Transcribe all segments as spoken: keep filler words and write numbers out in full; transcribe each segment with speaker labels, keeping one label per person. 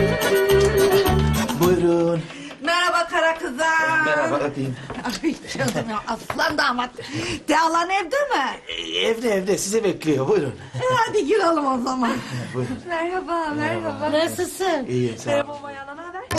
Speaker 1: Buyurun.
Speaker 2: Merhaba kara kızım.
Speaker 1: Merhaba, öpeyim.
Speaker 2: Ay canım ya, aslan damat. Dealan evde mi?
Speaker 1: Ee, Evde evde sizi bekliyor, buyurun.
Speaker 2: E, hadi girelim o zaman.
Speaker 1: Buyurun.
Speaker 2: Merhaba, merhaba.
Speaker 3: Nasılsın?
Speaker 1: İyiyim, sağ ol.
Speaker 2: Merhaba Mayana, ne haber?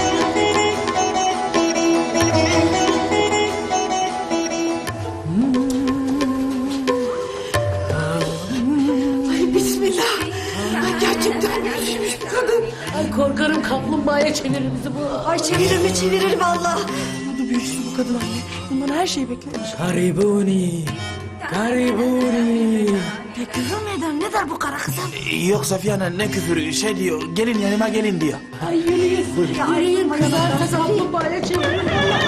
Speaker 2: Ay bismillah. Ay gerçekten büyümüş bu kadın.
Speaker 3: Ay korkarım kaplumbağaya çevirir bizi bu.
Speaker 2: Ay çevirir mi çevirir valla. Nasıl büyüsün bu kadın anne. Bundan her şeyi beklemiş.
Speaker 3: Karibuni. Karibuni.
Speaker 2: Ya küfür mü eder? Ne der bu kara kızım?
Speaker 1: Ee, Yok Safiye Hanım, ne küfürü, şey diyor, gelin yanıma gelin diyor.
Speaker 3: Ay yürüyün. Yürüyün kızar da kaplumbağaya çevirir.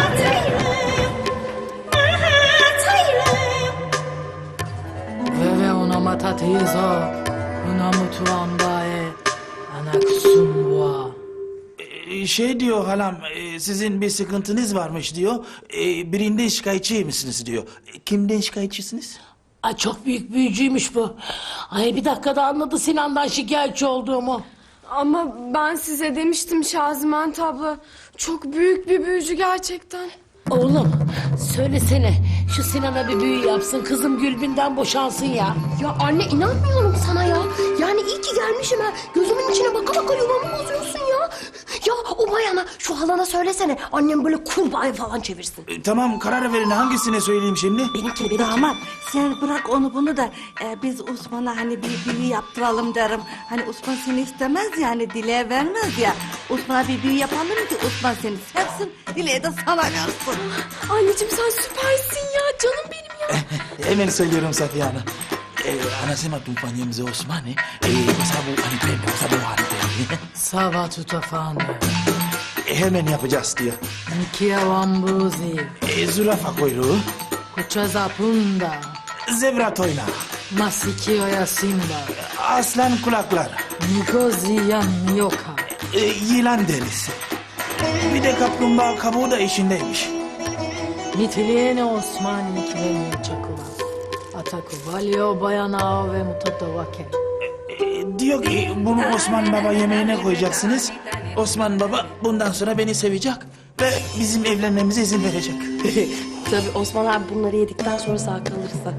Speaker 3: Ve ve ona matatizo. Ona mutuambae. Ana kusumbua.
Speaker 1: Ee, Şey diyor halam, e, sizin bir sıkıntınız varmış diyor. E, Birinde şikayetçi misiniz diyor. E, Kimden şikayetçisiniz?
Speaker 3: Ay çok büyük büyücüymüş bu. Ay bir dakikada anladı Sinan'dan şikayetçi olduğumu.
Speaker 4: Ama ben size demiştim Şaziment abla. Çok büyük bir büyücü gerçekten.
Speaker 3: Oğlum söylesene şu Sinan'a bir büyü yapsın kızım Gülbin'den boşansın ya.
Speaker 4: Ya anne inanmıyorum sana ya. Yani iyi ki gelmişim ha. Gözümün içine baka baka yuvamı bozuyorsun ya. Ya o bayana şu halana söylesene. Annem böyle kurbağaya falan çevirsin.
Speaker 1: E, Tamam, karar verin, hangisine söyleyeyim şimdi?
Speaker 4: Benimkini benimkini.
Speaker 2: Damat sen bırak onu bunu da e, biz Osman'a hani bir büyü yaptıralım derim. Hani Osman seni istemez ya, hani Dile'ye vermez ya. Osman'a bir büyü yapalım ki Osman seni sevsin, Dile'ye de sana versin.
Speaker 4: Anneciğim sen süpersin ya. Canım benim ya.
Speaker 1: Hemen söylüyorum Safiye Hanım. Ee, anasema tumfanyemize Osman'ı. Ee, sabu anipende, sabu anipende.
Speaker 3: Sava tutafane.
Speaker 1: E, hemen yapacağız diyor.
Speaker 3: Nikia wambuzi.
Speaker 1: E, zürafa kuyruğu,
Speaker 3: Kuchaza punda.
Speaker 1: zebra toynağı,
Speaker 3: Masikio ya simba.
Speaker 1: aslan kulakları,
Speaker 3: Ngozi ya nyoka.
Speaker 1: e, yılan derisi. Bir de kaplumbağa kabuğu da işindeymiş.
Speaker 3: Mitiliene Osmani kileni çakula. Ataku valio bayanao ve mutadavake.
Speaker 1: E, diyor ki bunu Osman Baba yemeğine koyacaksınız. Osman Baba bundan sonra beni sevecek ve bizim evlenmemize izin verecek.
Speaker 4: Tabii Osman abi bunları yedikten sonra sağ kalırsa.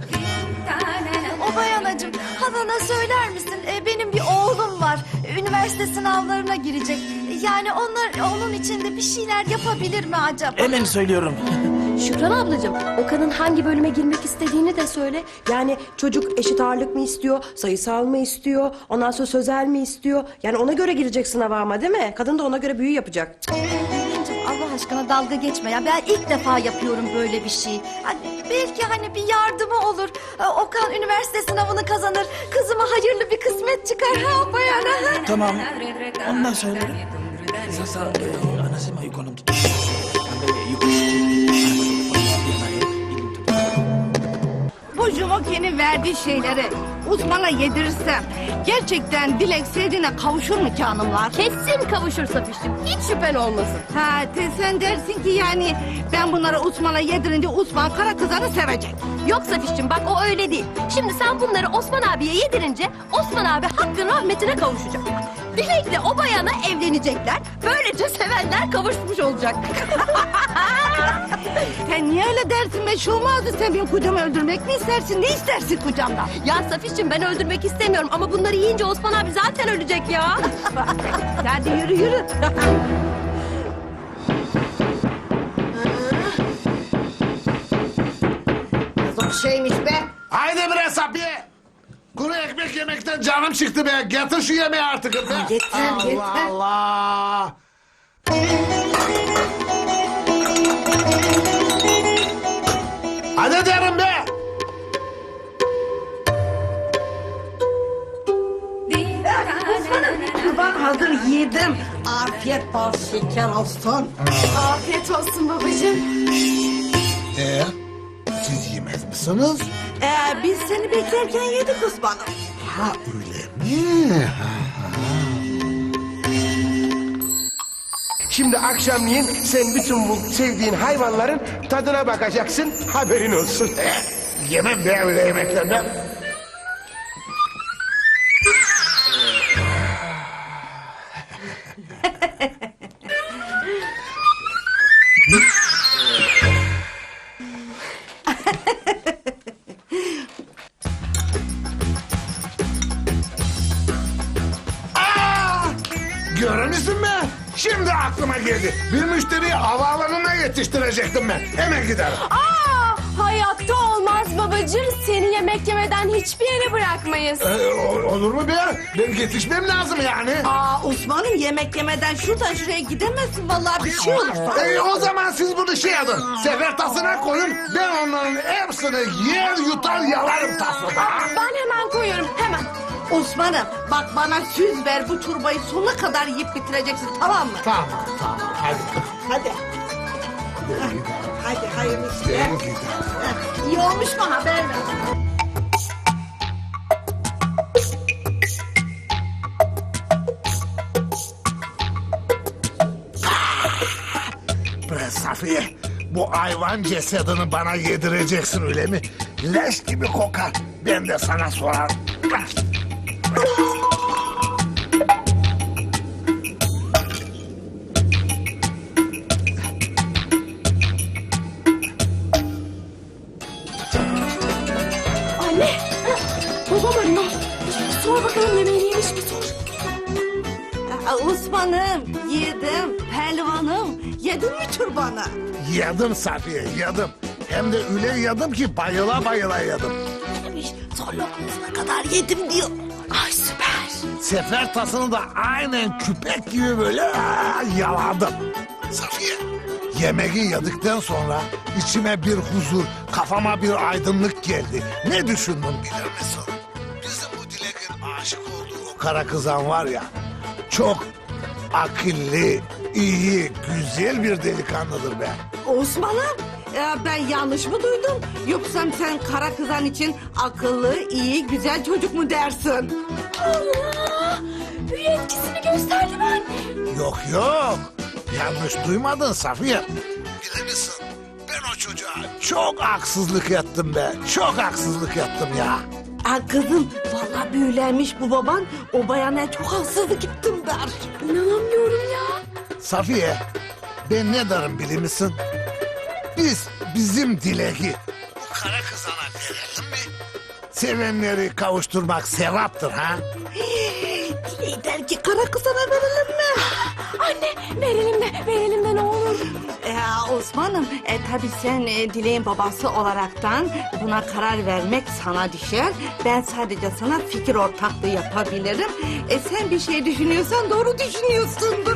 Speaker 5: O bayanacığım, halana söyler misin? Ee, benim bir oğlum var. Üniversite sınavlarına girecek. Yani onlar onun için de bir şeyler yapabilir mi acaba?
Speaker 1: Hemen söylüyorum.
Speaker 6: Şükran ablacığım, Okan'ın hangi bölüme girmek istediğini de söyle. Yani çocuk eşit ağırlık mı istiyor, sayısal mı istiyor, ondan sonra sözel mi istiyor? Yani ona göre girecek sınava ama değil mi? Kadın da ona göre büyü yapacak.
Speaker 5: Bebeğimciğim, Allah aşkına dalga geçme ya. Ben ilk defa yapıyorum böyle bir şey. Hani belki hani bir yardımı olur. Ee, Okan üniversite sınavını kazanır. Kızıma hayırlı bir kısmet çıkar ha bayana. Ha?
Speaker 1: Tamam, ondan söylerim. Sasa e, anasema yuko na mtoto ambaye yuko
Speaker 2: Bu Jumoke'nin verdiği şeyleri Osman'a yedirirsem gerçekten Dilek sevdiğine kavuşur mu canımlar?
Speaker 4: Kesin kavuşur Safiş'cim. Hiç şüphen olmasın.
Speaker 2: Ha te, sen dersin ki yani ben bunları Osman'a yedirince Osman kara kızanı sevecek.
Speaker 4: Yok Safiş'cim bak o öyle değil. Şimdi sen bunları Osman abiye yedirince Osman abi hakkın rahmetine kavuşacak. Dilek'le o bayana evlenecekler. Böylece sevenler kavuşmuş olacak.
Speaker 2: Sen niye öyle dersin be? Şu olmazdı, sen benim kocamı öldürmek mi istersin? Ne istersin kocamdan?
Speaker 4: Ya Safiş'cim ben öldürmek istemiyorum ama bunları yiyince Osman abi zaten ölecek ya.
Speaker 2: Hadi yürü yürü.
Speaker 5: Zor şeymiş be.
Speaker 7: Haydi bre Safiye. Kuru ekmek yemekten canım çıktı be. Getir şu yemeği artık be.
Speaker 2: Yeter,
Speaker 7: Allah
Speaker 2: yeter.
Speaker 7: Allah. Hadi derim be.
Speaker 2: Kurban hazır yedim. Afiyet bal şeker olsun.
Speaker 4: Afiyet olsun babacığım.
Speaker 7: Ee, siz yemez misiniz?
Speaker 2: Ee, biz seni beklerken yedik Osman'ım.
Speaker 7: Ha öyle mi? Ha, ha.
Speaker 8: Şimdi akşamleyin sen bütün bu sevdiğin hayvanların tadına bakacaksın, haberin olsun.
Speaker 7: Yemem be öyle yemeklerden. Görür müsün be? Şimdi aklıma geldi. Bir müşteriyi havaalanına yetiştirecektim ben. Hemen giderim.
Speaker 9: Aa, hayatta olmaz babacığım. Seni yemek yemeden hiçbir yere bırakmayız.
Speaker 7: Ee, o- olur mu be? Ben yetişmem lazım yani.
Speaker 2: Aa Osman'ım yemek yemeden şuradan şuraya gidemezsin vallahi bir şey olur sana.
Speaker 7: Ee, o zaman siz bunu şey yapın. Sefer tasına koyun. Ben onların hepsini yer yutar yalarım tasada.
Speaker 9: Ben hemen koyuyorum, hemen.
Speaker 2: Osman'ım bak bana söz ver bu çorbayı sonuna kadar yiyip bitireceksin tamam mı?
Speaker 7: Tamam tamam hadi.
Speaker 2: Hadi. Hadi hayırlı işler.
Speaker 7: Ben giderim.
Speaker 2: İyi olmuş mu haber ver.
Speaker 7: Be Safiye, bu hayvan cesedini bana yedireceksin öyle mi? Leş gibi kokar. Ben de sana sorarım.
Speaker 9: Anne, babam arıyor. Sor bakalım yemeğini yemiş mi sor.
Speaker 2: Aa, Osman'ım yedim. Pehlivanım yedin mi çorbanı?
Speaker 7: Yedim Safiye, yedim. Hem de öyle yedim ki bayıla bayıla yedim.
Speaker 2: Son lokmasına kadar yedim diyor.
Speaker 9: Ay süper.
Speaker 7: Sefer tasını da aynen küpek gibi böyle aa, yaladım. Safiye, yemeği yedikten sonra içime bir huzur, kafama bir aydınlık geldi. Ne düşündüm bilir misin? Bizim bu Dilek'in aşık olduğu o kara kızan var ya, çok akıllı, iyi, güzel bir delikanlıdır be.
Speaker 2: Osman'ım e, ben yanlış mı duydum? Yoksa sen kara kızan için akıllı, iyi, güzel çocuk mu dersin?
Speaker 9: Allah! Büyü etkisini gösterdi mi anne?
Speaker 7: Yok yok. Yanlış duymadın Safiye. Bilir misin? Ben o çocuğa çok haksızlık ettim be. Çok haksızlık ettim ya.
Speaker 2: Aa, kızım vallahi büyülenmiş bu baban. O bayana çok haksızlık ettim der.
Speaker 9: İnanamıyorum ya.
Speaker 7: Safiye, ben ne derim bilir misin? Biz bizim Dilek'i bu kara kızana verelim mi? Sevenleri kavuşturmak sevaptır ha?
Speaker 2: Dilek der ki kara kızana verelim mi?
Speaker 9: Anne verelim de verelim de ne olur.
Speaker 2: Ee, Osman'ım e, tabii sen e, Dilek'in babası olaraktan buna karar vermek sana düşer. Ben sadece sana fikir ortaklığı yapabilirim. E, sen bir şey düşünüyorsan doğru düşünüyorsundur.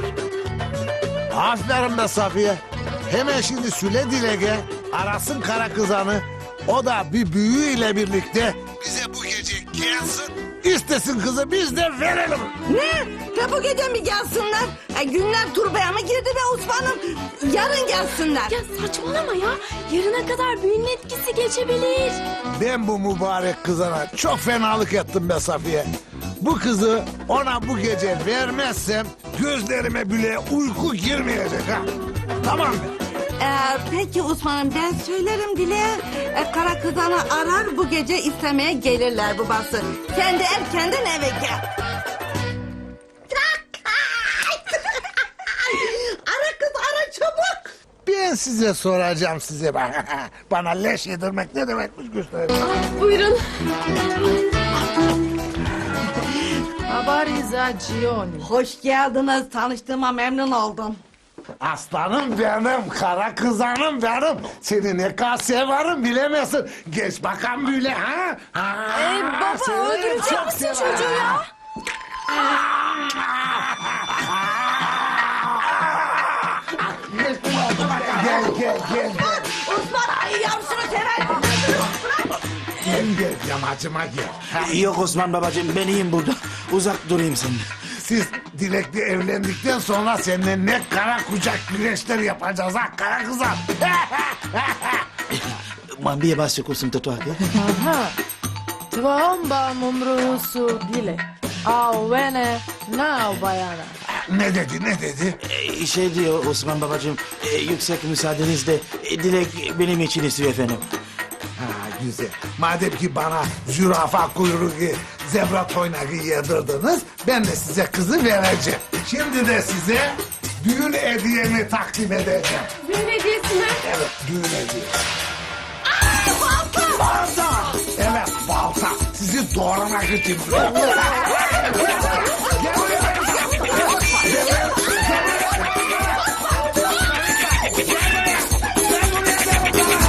Speaker 7: Aferin be Safiye. Hemen şimdi Süle Dilek'e arasın kara kızanı. O da bir büyüyle birlikte bize bu gece gelsin. İstesin kızı biz de verelim.
Speaker 2: Ne? De bu gece mi gelsinler? E, günler turbaya mı girdi be Osman'ım? Yarın gelsinler.
Speaker 9: Ya saçmalama ya. Yarına kadar büyünün etkisi geçebilir.
Speaker 7: Ben bu mübarek kızana çok fenalık ettim be Safiye. Bu kızı ona bu gece vermezsem gözlerime bile uyku girmeyecek ha. Tamam mı?
Speaker 2: Ee, peki Osman'ım ben söylerim Dilek'e. E, kara kızanı arar bu gece istemeye gelirler babası. Sen de erkenden eve gel. Ara kız ara çabuk.
Speaker 7: Ben size soracağım size. Bana leş yedirmek ne demekmiş göstereyim.
Speaker 9: Buyurun.
Speaker 3: Habari za jioni.
Speaker 2: Hoş geldiniz. Tanıştığıma memnun oldum.
Speaker 7: Aslanım benim, kara kızanım benim. Seni ne kadar severim bilemezsin. Geç bakalım böyle ha. ha
Speaker 9: Ee, baba
Speaker 7: seni
Speaker 9: öldürecek
Speaker 7: çok
Speaker 9: misin
Speaker 7: severim.
Speaker 9: çocuğu ya?
Speaker 7: Gel gel gel.
Speaker 2: Osman ay yavrusunu sever.
Speaker 7: Gel gel yamacıma gel. Ha,
Speaker 1: Yok Osman babacığım ben iyiyim burada. Uzak durayım senden.
Speaker 7: siz Dilek'le evlendikten sonra seninle ne kara kucak güreşleri yapacağız ha kara kızan.
Speaker 1: Mambiye bas kursun tatuate.
Speaker 3: Aha. Tvaomba mumruhusu dile. Au vene nao bayana.
Speaker 7: Ne dedi ne dedi?
Speaker 1: Ee, şey diyor Osman babacığım, e, yüksek müsaadenizle e, Dilek benim için istiyor efendim.
Speaker 7: Ha, güzel. Madem ki bana zürafa kuyruğu, zebra toynağı yedirdiniz, ben de size kızı vereceğim. Şimdi de size düğün hediyemi takdim edeceğim.
Speaker 9: Düğün hediyesi mi?
Speaker 7: Evet, düğün hediyesi. Balta! Balta! Evet, balta. Sizi doğramak için. Gel buraya. Gel buraya.